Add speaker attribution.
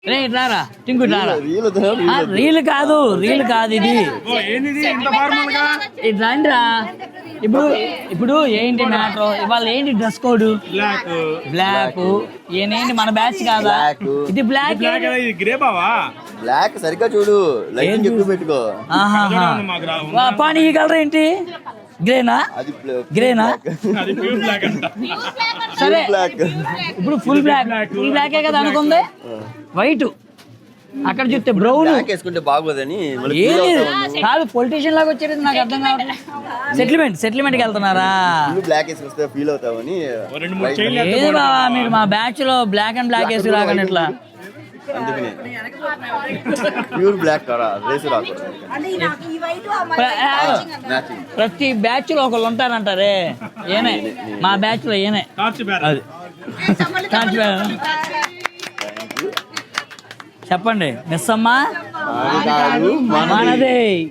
Speaker 1: రే రారా టింకు రారా రీల్ కాదు ఇది రండిరా. ఇప్పుడు ఏంటి మ్యాటర్ ఇవాళ ఏంటి డ్రెస్ కోడ్ బ్లాక్ ఏంటి మన బ్యాచ్ కాదా ఇది బ్లాక్
Speaker 2: బ్లాక్ సరిగ్గా చూడు లైటింగ్ ఎక్కువ పెట్టుకో
Speaker 1: పానీ ఈ కలర్ ఏంటి గ్రేనా సరే ఇప్పుడు ఫుల్ బ్లాకే కదా అనుకుంది వైట్ అక్కడ చూస్తే బ్రౌన్
Speaker 2: వేసుకుంటే బాగోదని
Speaker 1: కాదు పొలిటీషియన్ లాగా వచ్చేది నాకు అర్థం కావట్లేదు సెటిల్మెంట్కి వెళ్తున్నారా
Speaker 2: బ్లాక్ వేసుకొస్తే ఫీల్ అవుతావని
Speaker 1: ఏది బావా మీరు మా బ్యాచ్ లో బ్లాక్ అండ్ బ్లాక్ వేసి రాకండి ఇట్లా
Speaker 2: ప్యూర్ బ్లాక్ రేసు రాకూడదు
Speaker 1: ప్రతి బ్యాచ్ లో ఒకళ్ళు ఉంటారంటారే ఏనే మా బ్యాచ్ లో ఏనే చెప్పండి మిస్ అమ్మా మనదే